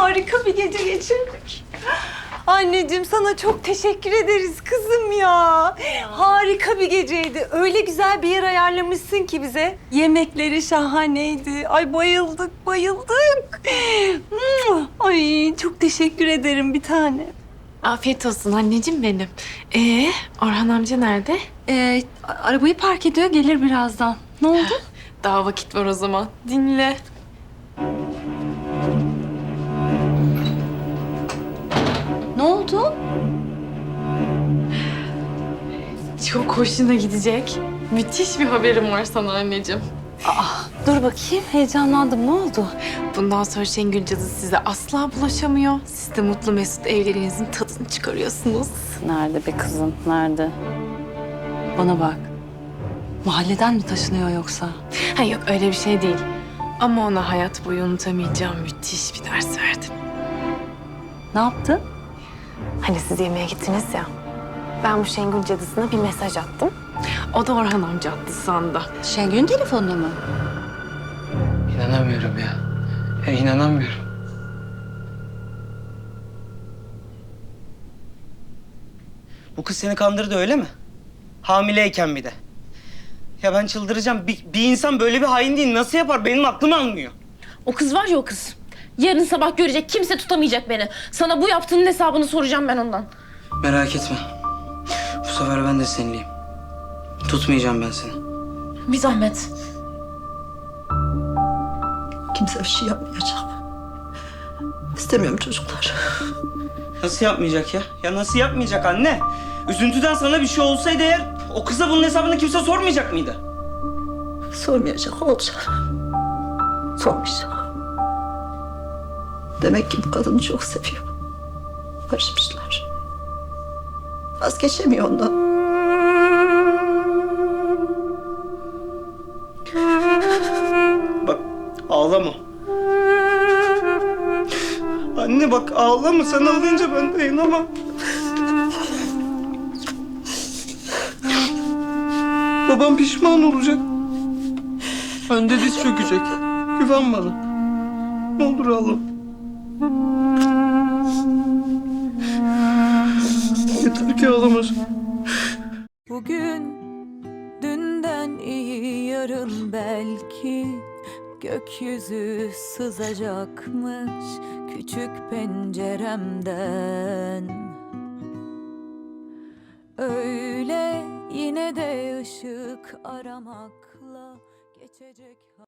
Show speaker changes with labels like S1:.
S1: harika bir gece geçirdik. Anneciğim sana çok teşekkür ederiz kızım ya. Harika bir geceydi. Öyle güzel bir yer ayarlamışsın ki bize. Yemekleri şahaneydi. Ay bayıldık, bayıldık. Ay çok teşekkür ederim bir tane.
S2: Afiyet olsun anneciğim benim. Orhan amca nerede?
S1: Arabayı park ediyor, gelir birazdan. Ne oldu?
S2: Daha vakit var o zaman. Dinle.
S1: Ne oldu?
S2: Çok hoşuna gidecek. Müthiş bir haberim var sana anneciğim.
S1: Dur bakayım, heyecanlandım. Ne oldu?
S2: Bundan sonra Şengül cadısı size asla bulaşamıyor. Siz de mutlu mesut evliliğinizin tadını çıkarıyorsunuz.
S1: Nerede be kızım, nerede? Bana bak. Mahalleden mi taşınıyor yoksa?
S2: Ha yok öyle bir şey değil. Ama ona hayat boyu unutamayacağım müthiş bir ders verdim.
S1: Ne yaptı?
S2: Hani siz yemeğe gittiniz ya. Ben bu Şengül cadısına bir mesaj attım. O da Orhan amca attı sandı.
S1: Şengül'ün telefonuna mı?
S3: İnanamıyorum ya. Ya inanamıyorum. Bu kız seni kandırdı öyle mi? Hamileyken bir de. Ya ben çıldıracağım. Bir insan böyle bir hain değil. Nasıl yapar? Benim aklım almıyor.
S4: O kız var ya o kız. Yarın sabah görecek, kimse tutamayacak beni. Sana bu yaptığının hesabını soracağım ben ondan.
S3: Merak etme. Bu sefer ben de seninleyim. Tutmayacağım ben seni.
S4: Bir zahmet.
S5: Kimse bir şey yapmayacak. İstemiyorum çocuklar.
S3: Nasıl yapmayacak ya? Ya nasıl yapmayacak anne? Üzüntüden sana bir şey olsaydı eğer o kıza bunun hesabını kimse sormayacak mıydı?
S5: Sormayacak, olacak. Sormayacak. Demek ki bu kadını çok seviyor. Barışmışlar. Vazgeçemiyor ondan.
S3: Bak ağlama. Anne bak ağlama. Sen ağlayınca ben dayanamam. Babam pişman olacak. Önde diz çökecek. Güven bana. Ne olur ağlama. Yeter ki ağlamasın.
S6: Bugün dünden iyi yarın belki gökyüzü sızacakmış küçük penceremden. Öyle yine de ışık aramakla geçecek.